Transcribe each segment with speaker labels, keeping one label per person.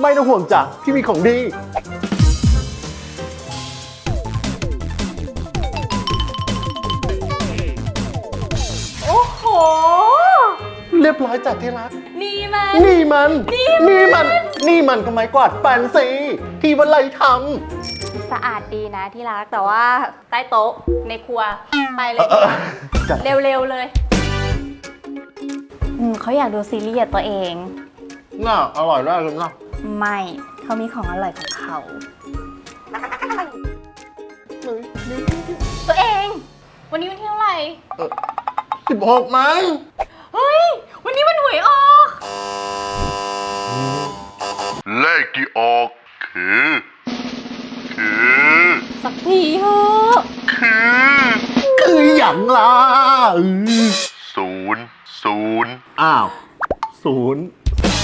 Speaker 1: ไม่ต้องห่วงจ้ะพี่มีของดี
Speaker 2: โอ้โห
Speaker 1: เรียบร้อยจัดที่รัก
Speaker 2: นี่มัน
Speaker 1: นี่มันก็ไม้กวาดแฟนซีที่วันไรท
Speaker 2: สะอาดดีนะที่รักแต่ว่าใต้โต๊ะในครัวไปเลยดีกว่า
Speaker 1: ำจัด
Speaker 2: เร็วๆเลยเขาอยากดูซีรีส์กับตัวเอง
Speaker 1: น่าอร่อยได้เลยนะ
Speaker 2: ไม่เขามีของอร่อยของเขา ตัวเอง วันนี้วันที่เท่าไหร่
Speaker 1: 16มั้ง
Speaker 2: เฮ้ย วันนี้มันหวยออก
Speaker 3: เลขที่ออกคือ
Speaker 2: สักทีเถอะ
Speaker 1: คืออย่างล่ะ
Speaker 3: ศูนย์
Speaker 1: อ้าวศูนย์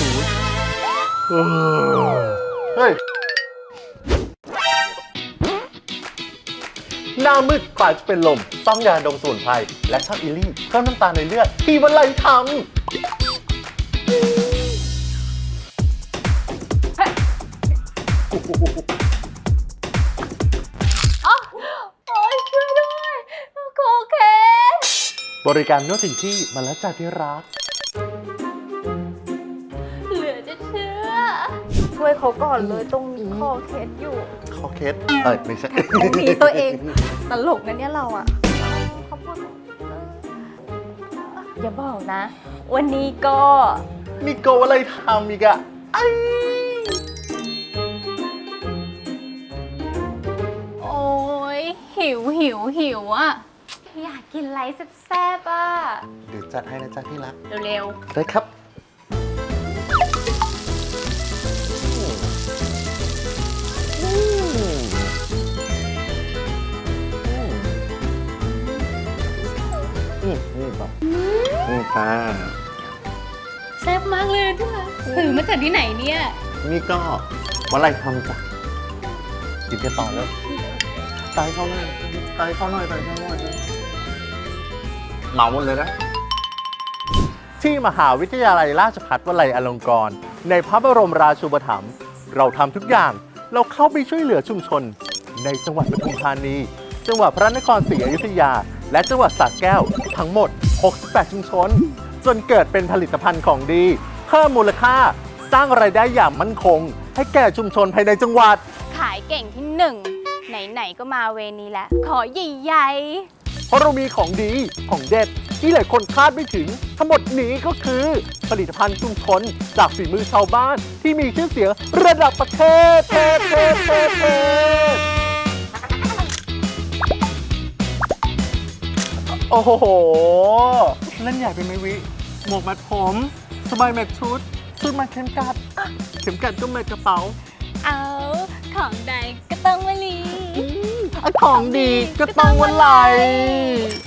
Speaker 1: เฮ้ยหน้ามืดกลายเป็นลมต้องยาดมสมุนไพรและช่างอิลี่เพิ่มน้ำตาลในเลือดที่วันไรท
Speaker 2: อ๋อโอ้ยช่วยด้วยโอเค
Speaker 1: ำบริการนวดถึงที่มาแล้วจ้าที่รัก
Speaker 2: เหลือจะเชื่อ ช่วยเขาก่อนเลยตรงนี้คอเคสอยู่
Speaker 1: คอเคสไม่ใช่
Speaker 2: หนีตัวเองตลกนะเนี่ยเราอ่ะขอบคุณอย่าบอกนะ วันนี้ก็
Speaker 1: นี่โกอะไรทำอีกอะไอ
Speaker 2: โอ้ยหิวอ่ะ อยากกินอะไรแซ่บๆอ่ะ
Speaker 1: เดี๋ยวจัดให้นะจ๊ะที่รัก
Speaker 2: เร็ว
Speaker 1: ได้ครับนี่ป่ะนี่ค่ะ
Speaker 2: ๆแซ่บมากเลยที่รักซื้อมาจากที่ไหนเนี่ย
Speaker 1: นี่ก็วันไรทำจ้ะกินกันต่อเลยตายเข้าหน่อยเหมาหมดเลยนะ ที่มหาวิทยาลัยราชภัฏวลัยอลงกรณ์ในพระบรมราชูปถัมภ์เราทำทุกอย่างเราเข้าไปช่วยเหลือชุมชน ในจังหวัดปทุมธานี จังหวัดพระนครศรีอยุธยา และจังหวัดสระแก้วทั้งหมด 68 ชุมชน จนเกิดเป็นผลิตภัณฑ์ของดีเพิ่มมูลค่าสร้างรายได้อย่างมั่นคง ให้แก่ชุมชนภายในจังหวัด
Speaker 2: ขายเก่งที่หนึ่งไหนๆก็มาเวนี้แล้ว ขอใหญ่ๆ
Speaker 1: เพราะเรามีของดีของเด็ดที่หลายคนคาดไม่ถึง ทั้งหมดนี้ก็คือ ผลิตภัณฑ์ชุมชนจากฝีมือชาวบ้านที่มีชื่อเสียงระดับประเทศโอ้โหเล่นใหญ่เป็นไหมวิหมวกมัดผมสบายแม็กชุดมัดเข็มกัดก็แม็กกระเป๋า
Speaker 2: เอาของใดก็ต้องวลี
Speaker 1: ของดีก็ต้องวันไหล